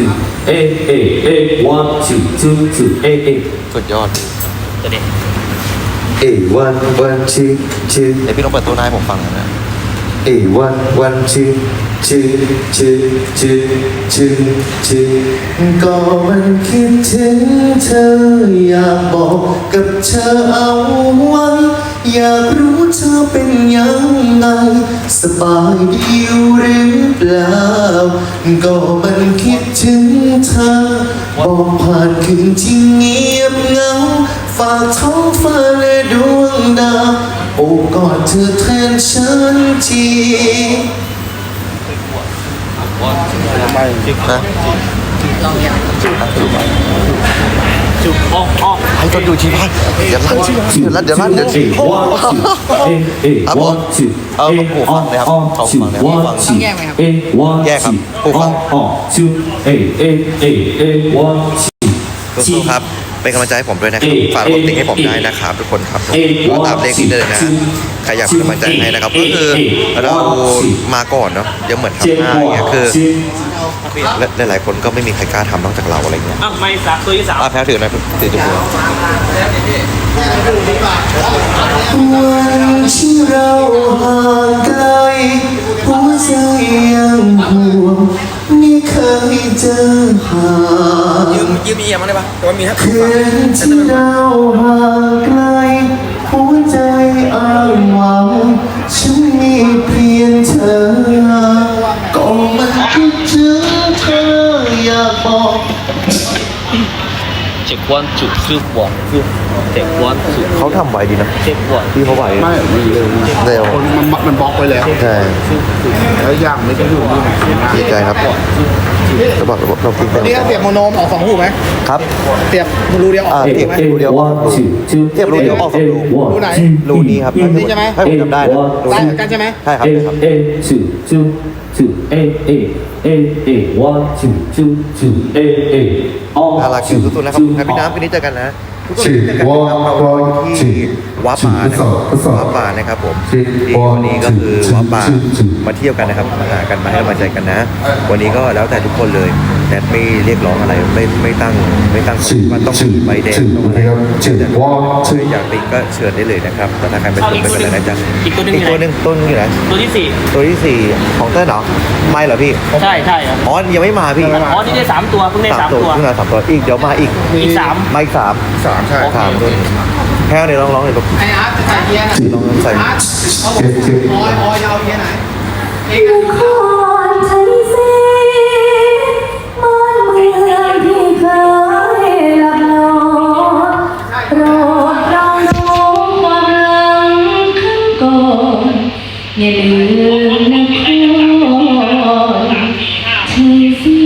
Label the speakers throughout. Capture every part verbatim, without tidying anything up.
Speaker 1: two A A A one two two two A A
Speaker 2: สุดยอด
Speaker 3: ตัวนี้
Speaker 1: A one one two two
Speaker 2: เดี๋ยวพี่ต้องเปิดตัวหน้าให้ผมฟังหน่อยนะ
Speaker 1: A one one two two two two two two ก็มันคิดถึงเธออยากบอกกับเธอเอาไว้อยากรู้เธอเป็นยังไงสบายดีอยู่หรือเปล่าก็มันคิดถึงเธอบอกผ่านคืนที่เงียบเหงาฝากท้องฟ้าและดวงดาวโอบกอดเธอแทนฉันที
Speaker 2: ไม่จิ๊กนะ
Speaker 3: จุกอ้ออ้อ
Speaker 2: ให้ก็ดูชีพายเดี๋ยวลั่นเดี๋ยวลั่นเดี๋ยวลั่นเดี๋ยวชีพครับผมเอาผู้ฟังนะครับเขาฟังนะครับผู้ฟัง
Speaker 3: ต้องแยกไหมครับ
Speaker 2: แยกครับผู้ฟังสู้ๆครับเป็นกำลังใจให้ผมด้วยนะครับฝากกดติ๊กให้ผมได้นะครับทุกคนครับผมตามเลขนี้เลยนะใครอยากเป็นกำลังใจให้นะครับก็คือเรามาก่อนเนาะเดี๋ยวเหมือนทำหน้าอย่างเงี้ยคือหลายๆคนก็ไม่มีใครกล้าทำนอกจากเราอะไรเงี้ย
Speaker 3: อ้าวไม่สามตัวที่สาม
Speaker 2: อ่ะแพ้ถือหน่อยถือจุ๊บ
Speaker 1: วันที่เราห่างไกลหัวใจยังห่วงไม่เคยเจอหา
Speaker 4: ยืมยืมเอียมาได้ปะแต่ว่ามีครับ
Speaker 1: คืนที่เราห่างไกลหัวใจอ้างว้างฉันมีเพียงเธอก็มันคิดถึงเธออยากบอก
Speaker 3: เจ็กวันจุกคือหวานคือเจ็กวันจุก
Speaker 2: เขาทำไวดีนะ
Speaker 3: เจ็กวัน
Speaker 2: พี่เขาไหว
Speaker 5: ไม่มีเร็ว
Speaker 2: เร็ว
Speaker 5: คนมันมันบล็อกไปแล้ว
Speaker 2: ใช่
Speaker 5: แล้วย่างไม่ใช่หูนี่
Speaker 2: ดีใจครับจะบอกเราคิดไป
Speaker 4: นี่เสียบโมโนมออกสองหูไหม
Speaker 2: ครับ
Speaker 4: เสียบรูเดียวออก
Speaker 2: อ่า
Speaker 4: ไหม
Speaker 2: เทียบรูเดียวออกรูเทียบรูเดียวออกสองรู
Speaker 4: รูไหน
Speaker 2: รูนี้ครับ
Speaker 4: นี่ใช่ไหม
Speaker 2: ให้ผมจำได้นะรู
Speaker 4: ได้
Speaker 2: นี้
Speaker 4: เหมือนกันใช่ไหม
Speaker 2: ใช่ครับ
Speaker 1: A
Speaker 2: ครับ
Speaker 1: A two two two A A A A one two two two A A
Speaker 2: น่ารักจริงสุดๆนะครับครับพี่น้ำคืนนี้เจอกันนะทุกคนเจอกันนะครับเราอยู่ที่วัดป่านะครับวัดป่านะครับผมที่วันนี้ก็คือวัดป่ามาเที่ยวกันนะครับมาหากันมาให้กำลังใจกันนะ วันนี้ก็แล้วแต่ทุกคนเลยแนทไม่เรียกร้องอะไรไม่ไม่ตั้งไม่ตั้งว่าต้องมีใบแดงต้องอะไรแต่อยากติก็เชิญได้เลยนะครับแต่ถ้าใครเป็นตัวเป็นอะไรนะจ๊ะ
Speaker 3: อีกตัวหนึง
Speaker 2: อีกตัวหนึ่งต้นอยู่ไหน
Speaker 3: ตัวที่สี่
Speaker 2: ตัวที่สี่ของเต้นเหรอไม่เหรอพี่
Speaker 3: ใช่ใช่ครับ
Speaker 2: อ๋อยังไม่มาพี่
Speaker 3: อ๋อนี่ได้สามตัวเพิ่งได้สามตัว
Speaker 2: เพิ่งมาสามตัวอีกเดี๋ยวมาอีก
Speaker 3: อีกสาม
Speaker 2: มาอีกสาม
Speaker 5: สามใช่
Speaker 2: สามตัวแพ้เนี่ยร้องร้องเลยลูก
Speaker 4: ไออาร์ตใส่เอียนะ
Speaker 2: ลองใส่
Speaker 4: อาร์ตเอาผมออยออยเอาเอียไหนเอก
Speaker 6: นครไทยศรีบ้านเมืองที่เคยหลับนอนโปรดเราน้อมความหลังขึ้นก่อนอย่าลืมนครไทยศรี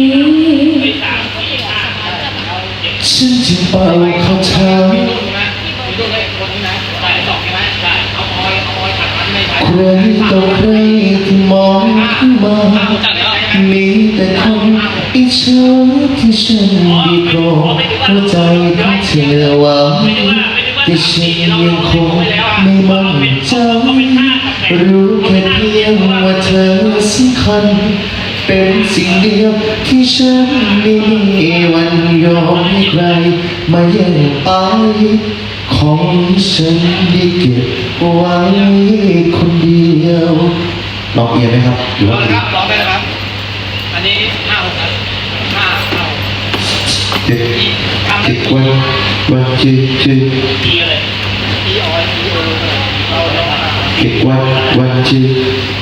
Speaker 1: ฉันจึงเป่าคาถาใครต่อใครที่มองขึ้นมามีแต่คนอิจฉาที่ฉันดีโปรดหัวใจของเธอหวังแต่ฉันยังคงไม่มั่นใจรู้แค่เพียงว่าเธอสำคัญเป็นสิ่งเดียวที่ฉันไม่มีวันยอมให้ใครมาแย่งไปของฉันได้เก็บไว้คนเดียวลองเอียนไหมครับหรือว่า
Speaker 4: ครับร้องได้นะครับอันนี้ห้าหกห้าห้า
Speaker 1: เจ็ดเจ็ดวันวันเจ็ดเจ็ด
Speaker 4: อีเลยอีออยอีเออเราเรา
Speaker 1: เจ็ดวันวันเจ็ด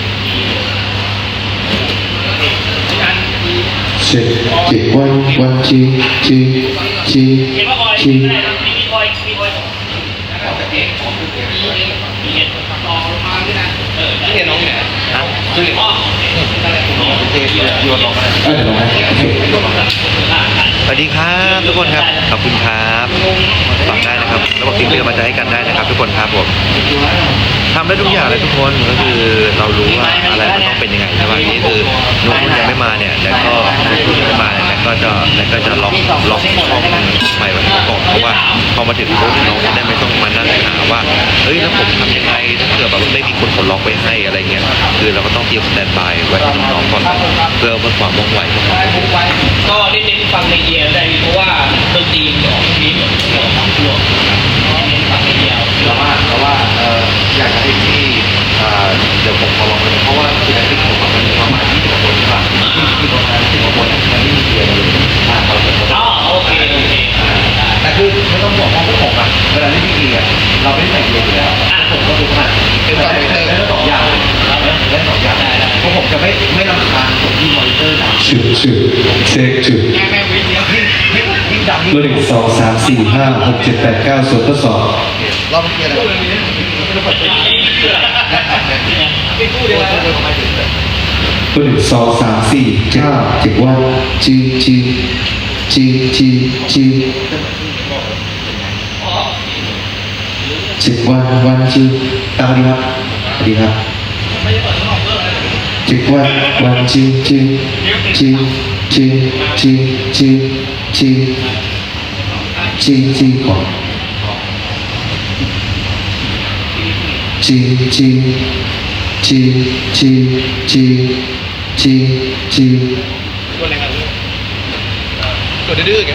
Speaker 1: เจ็ดเจ็ดวันวันเจ็ดเจ็ดเจ็ด
Speaker 3: เห็นว่าออย
Speaker 1: เจ็ด
Speaker 3: ไม่ได้นะมีออยมีออยมีเห็นลองลงมาด้วยนะเออที่เห็นน้องเนี่ยนะคืออ๋อ
Speaker 2: เทปโยนลงมา
Speaker 1: เออเดี๋ยวลองให้โอเค
Speaker 2: สวัสดีครับทุกคนครับขอบคุณครับฝากได้นะครับแล้วบอกทิ้งเป็นกำลังใจให้กันได้นะครับทุกคนครับผมทำได้ทุกอย่างเลยทุกคนก็คือเรารู้ว่าอะไรมันต้องเป็นยังไงใช่ไหมนี่คือนุ่นยังไม่มาเนี่ยแล้วก็นุ่นยังไม่มาเนี่ยแล้วก็จะแล้วก็จะล็อกล็อกช่องใหม่ไว้ก่อนเพราะว่าพอมาถึงปุ๊บน้องจะได้ไม่ต้องมานั่งหาว่าเฮ้ยแล้วผมทำยังไงถ้าเกิดแบบไม่มีคนกดล็อกไว้ให้อะไรเงี้ยคือเราก็ต้องเตรียมสแตนด์บายไว้ให้น้องๆก่อนเพื่อเพื่อความว่องไวของเรา
Speaker 4: ก็
Speaker 2: เราไม่ได้ใส่เกียร์อยู่แล้วอ่ะผมก็คือผ่านเป็นแบบเล่นสองอย่างเล่นสองอย่างเพราะผมจะไม่ไม่รำคาญผมที่มอนิเตอร์ดัง
Speaker 1: จุดจุดเช็คจุด
Speaker 4: แม่แม่วิ่งเดียว
Speaker 2: ยิ่งยิ่งยิ่งดัง
Speaker 1: ตัวหนึ่งสองสามสี่ห้าหกเจ็ดแปดเก้าส่วนทดสอบ
Speaker 2: รอบเมื่อกี้อะไรไม่พูดเลยนะ
Speaker 1: ตัวหนึ่งสองสามสี่เก้าเจ็ดวันจีจีจีจีจีเจ็ดวันวันจีตามดีครับสวัสดีครับเจ็ดวันวันจีจีจีจีจีจีจีจีจีก่อนจีจีจีจีจีจีจี
Speaker 4: ตัวอะไรกันตัวดื้อๆแก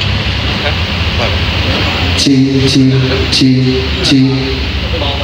Speaker 1: จีจีจีจี
Speaker 4: มองไป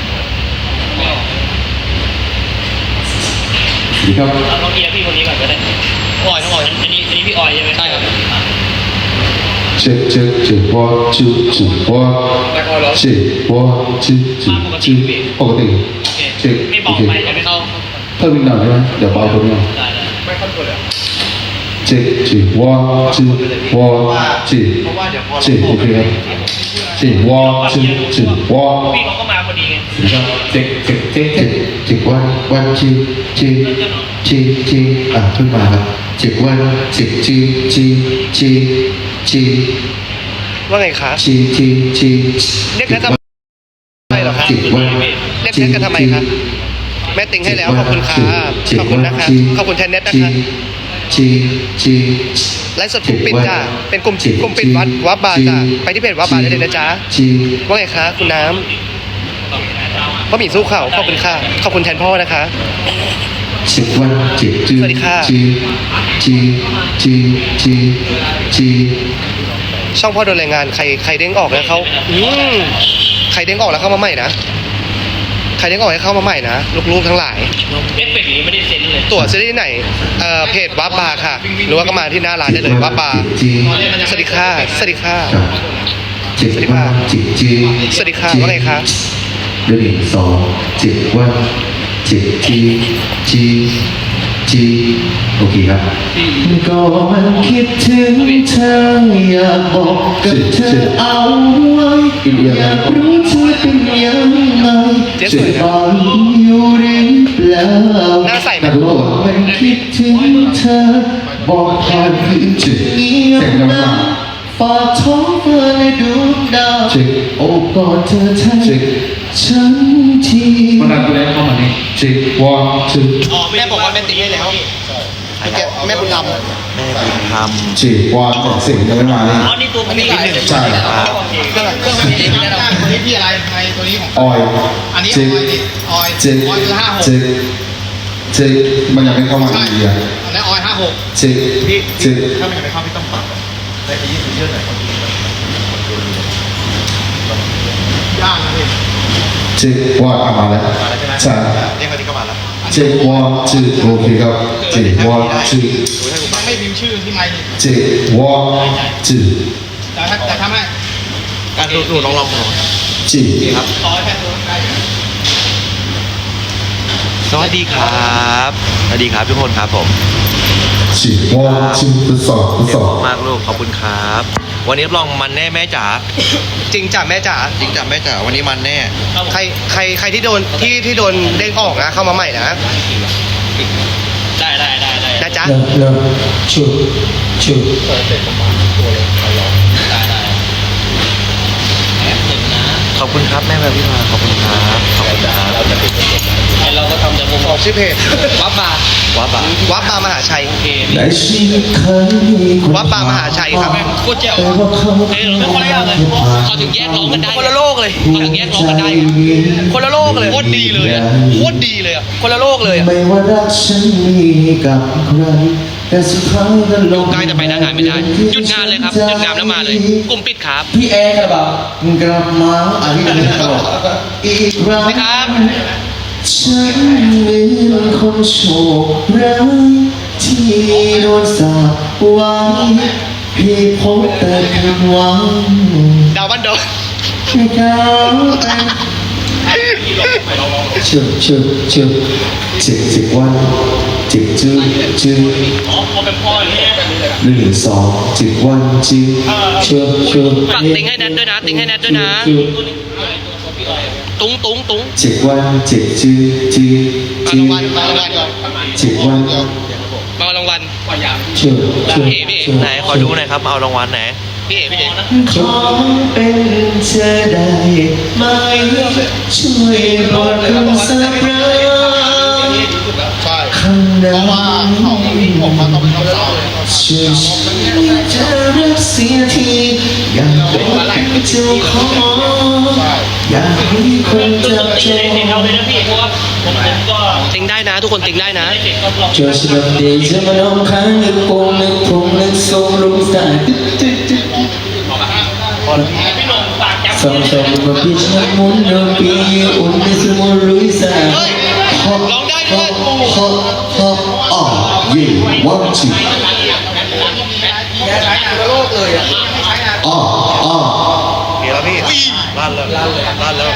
Speaker 1: ดีครับ
Speaker 4: เราต้องเกียร์พี่คนนี้ก่อนก็ได้ออยต้องออยอันนี้อันนี้พี่ออยใช่ไหมใช่ครับ
Speaker 1: เจ็ดเจ็ดเจ็ดวอจูจูวอเจ็ดวอจูจูจูปกติเจ็ด
Speaker 4: ไม่บ
Speaker 1: โอ
Speaker 4: อก
Speaker 1: เค
Speaker 4: ไปจะไม่เข้า
Speaker 1: เพิ่มอีกหน่อยได้ไหมเดี๋ยวเบาตัวนี้
Speaker 4: ได้ได้ไม่เข้าตัวเลย
Speaker 1: เจ็ดเจ็ดวอจูวอเจ็ดเจ็ดโอเคครับเจ็ดวอจูจูวอ
Speaker 4: พี่เขาก็มาพอดีไง
Speaker 1: เจ็ดเจ็ดเจ็ดเจ็ดเจ็ดวันวันจีจีจีจีอ่ะขึ้นมาครับเจ็ดวันเจ็ดจีจีจีจี
Speaker 2: ว่าไงคะ
Speaker 1: จีจีจี
Speaker 2: เรียกแค่ทำไมเหรอคะ
Speaker 1: เจ็ดวัน
Speaker 2: เรียกแค่กันทำไมคะแม่ติงให้แล้วขอบคุณค่ะขอบคุณนะคะขอบคุณแทนเน็ตนะคะ
Speaker 1: จีจี
Speaker 2: ไลฟ์สดกลุ่มปิดจ้าเป็นกลุ่มกลุ่มปิดวัดวัดบาร์จ้าไปที่เพจวัดบาร์ได้เลยนะจ๊ะ
Speaker 1: จี
Speaker 2: ว่าไงคะคุณน้ำบะหมี่สู้เข่าขอบคุณค่ะขอบคุณแทนพ่อนะคะ
Speaker 1: สิบวันเจ็ดจี
Speaker 2: สวัสดีค่ะ
Speaker 1: จีจีจีจีจี
Speaker 2: ช่องพ่อโดนแรงงานใครใครเด้งออกแล้วเขาอืมใครเด้งออกแล้วเข้ามาใหม่นะใครเด้งออกให้เข้ามาใหม่นะลูกๆทั้งหลาย
Speaker 4: เอฟเฟกต์นี้ไม่ได้เซ็นเลย
Speaker 2: ตั๋วซื้อได้ที่ไหนเอ่อเพจวับบาร์ค่ะหรือว่าก็มาที่หน้าร้านได้เลยวับบาร์
Speaker 1: จี
Speaker 2: สวัสดีค่ะสวัสดีค่ะ
Speaker 1: เจ็ดวันเจ็ดจี
Speaker 2: สวัสดีค่ะว่าไงคะ
Speaker 1: เดือนสองเจ็ดวันเจ็ดจีจีจีโอเคครับก็มันคิดถึงเธออยากบอกกับเธอเอาไว้อยากรู้เธอเป็นยังไงจะฟังอยู่หรือเปล่า
Speaker 2: หน้าใสไหม
Speaker 1: ก็มันคิดถึงเธอบอกผ่านคืนจะเงียบนะฝากท้องฟ้าในดวงดาวโอบกอดเธอแทนฉันทีมันอะไรได้เข้ามานี่จิวอจิ
Speaker 2: แม่บอกว่าแม่ติงให้แล้วแม่บุญธรรม
Speaker 3: แม่บุญธรรม
Speaker 1: จิวอของสิ่งยังไม่มานี่
Speaker 4: อ๋อนี่ตัวพี่
Speaker 1: ใช่
Speaker 4: เครื่องเครื่องมันเองแนะนำตัวนี้พี่อะไรไงตัวนี้ของ
Speaker 1: ออย
Speaker 4: อันนี้
Speaker 1: จิ
Speaker 4: ออยดิออย
Speaker 1: จิ
Speaker 4: ออยคือห้าหก
Speaker 1: จิจิมันยังไม่เข้ามาดีอ่ะ
Speaker 4: อันนี้ออยห้าหก
Speaker 1: จิจิ
Speaker 4: ถ้ามันยังไม่เข้าพี่ต้องปรับได้ไปยี่สิบเยอะหน่อยย่างนะพี่
Speaker 1: จิวอมาแล้วใช่
Speaker 2: เรียกมาที่เข้ามาแล้ว
Speaker 1: จิวอจิโอเคครับจิวอจิ
Speaker 4: ยังไม่พิมพ์ชื่อที่ไมค์
Speaker 1: จิวอจิ
Speaker 4: แต่ถ้าแต่ทำให้
Speaker 2: การดูหนูลองลองหนู
Speaker 1: จิ
Speaker 2: ครับ
Speaker 4: ต่อแค่ตัวได้
Speaker 2: สวัสดีครับสวัสดีครับทุกคนครับผม
Speaker 1: จิวอจิทดสอบทดสอบ
Speaker 2: มากลูกขอบคุณครับ วันนี้รับรองมันแน่แม่จ๋าจริงจ้ะแม่จ๋าจริงจ้ะแม่จ๋าวันนี้มันแน่ใครใครใครที่โดนที่ที่โดนเด้งออกนะเข้ามาใหม่นะ
Speaker 4: ได้ได้ได้ได้
Speaker 2: นะจ๊ะ
Speaker 1: เริ่มเริ่มชุดชุด
Speaker 2: ขอบคุณครับแม่แบบพี่มาขอบคุณครับขอบคุณครับ
Speaker 4: ไอเราก็ทำแต่มุม
Speaker 2: บอกชื่อเพจ
Speaker 4: วับบาร์
Speaker 2: วับบาวับบามหาชัย
Speaker 4: โอเค
Speaker 1: ในชีวิตเคยมีคน
Speaker 2: วับบามหาชัยครับ
Speaker 4: โคตรเจ๋ว
Speaker 1: แต่ว่าเขา
Speaker 4: เอ้ยเราไม่คนละอย่างเลยเขาถึงแยกร้องกันได้
Speaker 2: คนละโลกเลย
Speaker 4: เขาถึงแยกร้องกันได้
Speaker 2: คนละโลกเลยโคตรดีเลยอะโคตรดีเลยอะคนละโลกเลยอะ
Speaker 1: ไม่ว่ารักฉันมีกับใครแต่สุดท้ายก็ลง
Speaker 4: ใกล้จะไปหน้างานไม่ได้ หยุดงานเลยครับ หยุดงานแล้วมาเลย กลุ่มปิดครับ
Speaker 1: พี่แอร์กระบะกลับมาอันนี้เป็นตลกอีกครั้ง
Speaker 4: ครับ
Speaker 1: ฉันเหมือนคนโชคร้ายที่โดนสาปไว้พี่พบแต่ผิดหวัง
Speaker 2: ดาวบ้านดอน
Speaker 1: ให้เขาเชื่อเชื่อเชื่อจิบจิบวันจิบจื้อจื้อ
Speaker 4: อ๋อพอเป็นพ่ออย่างนี้
Speaker 1: หนึ่งสองจิบวันจื้อเชื่อเชื่อ
Speaker 3: ฝากติ้งให้แนทด้วยนะติ้งให้แนทด้วยนะ ตุ้งตุ้งตุ้ง
Speaker 1: จิบวันจิบจื้อจื้อจื้อจิบวัน
Speaker 3: มาเอารางวัล
Speaker 1: เชื่อเชื่อ
Speaker 2: ไหนขอดูหน่อยครับเอารางวัลไหน
Speaker 3: พี่เอ๋พี่เอ๋
Speaker 1: ขอเป็นเธอได้ไหมช่วยโปรดคำสักครั้ง
Speaker 5: ใช่
Speaker 1: คำนั้น
Speaker 5: ว่าเขาออกมาต้องเป็นเขาเศร้า
Speaker 1: ช่วยฉันจะรักเสียทีอยากเป็นเจ้าของอยากให้คนจับจ
Speaker 4: ตี
Speaker 1: อง
Speaker 4: เด็กเอาเลยนะพี่เพราะว่าผมผมก็
Speaker 3: ติ้งได้นะ ทุกคนติ้งได้นะ
Speaker 4: เด็กก็ลอง
Speaker 1: เจอฉันเดียวจะมาลองค้างนึกโป่งนึกพงนึกทรงลงสายตึ๊ดตึ๊ดตึ๊ด
Speaker 4: พี่หนุ่มฝากจับ
Speaker 1: สองสองมาพิชน้ำมุนเดิมปีอุ่นในสมุนลุยสายฮอปฮอปฮอปฮอปอ่ะเย่วันจีอ่ะอ่ะ
Speaker 2: เดี๋ยวแล้วพี่ลั่นแล้วลั่นเลยลั่นแล้ว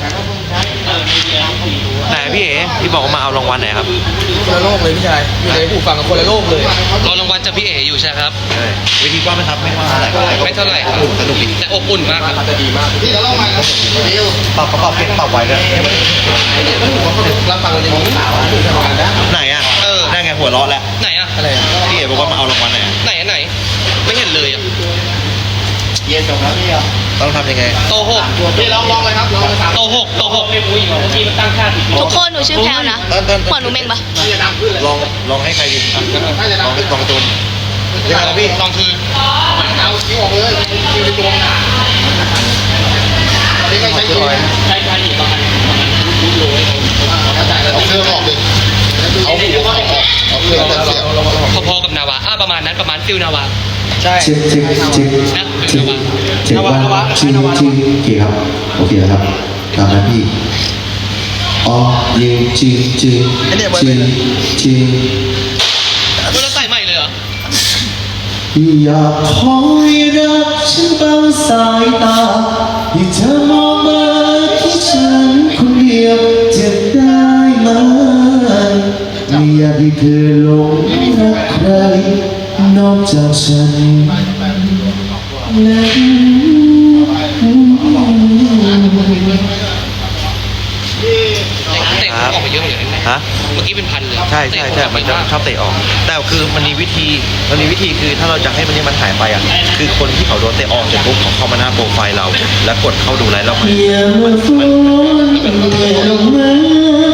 Speaker 2: ไหนพี่เอ๋ที่บอกว่ามาเอารางวัลไหนครับ
Speaker 7: คนละโลกเลยพี่ชายอยู่ในหูฟังกับคนละโลกเลย
Speaker 3: รอรางวัลจากพี่เอ๋อยู่ใช่ครับ
Speaker 2: ใช่วิธีกว้างไหมครับไม่ว่าเท่าไหร่
Speaker 3: ไม่เท่าไหร่ครับ
Speaker 2: สนุกดี
Speaker 3: แต่อบอุ่นมากครับ
Speaker 7: จะดีมากพี่จะเล่ามาครับ
Speaker 2: ปรับปรับเปลี่ยนปรับไว้ด้วย
Speaker 7: รับฟังกันในมือสาวทำงานได้
Speaker 2: ไหนอ่ะ
Speaker 3: เออ
Speaker 2: ได้ไงหัวเราะแล้ว
Speaker 3: ไหนอะ
Speaker 7: อะไร
Speaker 2: พี่เอ๋บอกว่ามาเอารางวัลไหนอะ
Speaker 3: ไหนอะไหน ไม่เห็นเลยอะ
Speaker 5: เย็นจบแล้วพี่อ่ะ
Speaker 2: ต้องทำยังไง
Speaker 3: โตหก
Speaker 7: พี่ลองลองเลยครับลองเลยสาม
Speaker 3: โตหกโตหก
Speaker 4: ไม่รู้อีกว่าเมื่อกี้มันตั้งค่าผิด
Speaker 6: ทุกคนหนูชื่อแพลวนะ
Speaker 2: เต้นเต้น
Speaker 6: หัวหนูเม่งปะ
Speaker 7: พี่จะดังขึ้นเลย
Speaker 2: ลองลองให้ใครดีลองลองตูนเรียกอะไรพี่
Speaker 3: ลองคือ
Speaker 7: เอาคิ้วออกเลยคิ้วในตัวมันตอนนี้ก็ใช้คิ้ว
Speaker 4: ใช้ค่าอีกประมาณประมาณรู้รู้เลย
Speaker 5: เอาเครื่องออกดิเอาหูออกเอาเครื่องแต่เสียง
Speaker 3: พอๆกับนาวาอ่ะประมาณนั้นประมาณฟิลนาวา
Speaker 7: ใช่
Speaker 1: จิบจิบจิบจิบจิบวันจิบจิบโอเคครับโอเคนะครับตามนั้นพี่อ๋อเย่จิบจิบจิบจิบ
Speaker 3: คุณเราใส่ใหม่เลยเหรอ
Speaker 1: อยากคอยรับฉันบางสายตาให้เธอมองมาที่ฉันคนเดียวจะได้ไหมไม่อยากให้เธอหลงรักใครนอกจากฉันและ
Speaker 3: เตะออกไปเยอะเลยนะ
Speaker 2: ฮะ
Speaker 3: เมื่อกี้เป็นพันเลย
Speaker 2: ใช่ใช่ใช่มันจะชอบเตะออก แต่คือมันมีวิธีมันมีวิธีคือถ้าเราจะให้มันนี้มันหายไปอ่ะคือคนที่เขาโดนเตะออกเสร็จปุ๊บเขาเข้ามาหน้าโปรไฟล์เรา แล้วกดเข้าดูไลฟ์เรา
Speaker 1: อย่ามาฟ้อนแต่ลงมา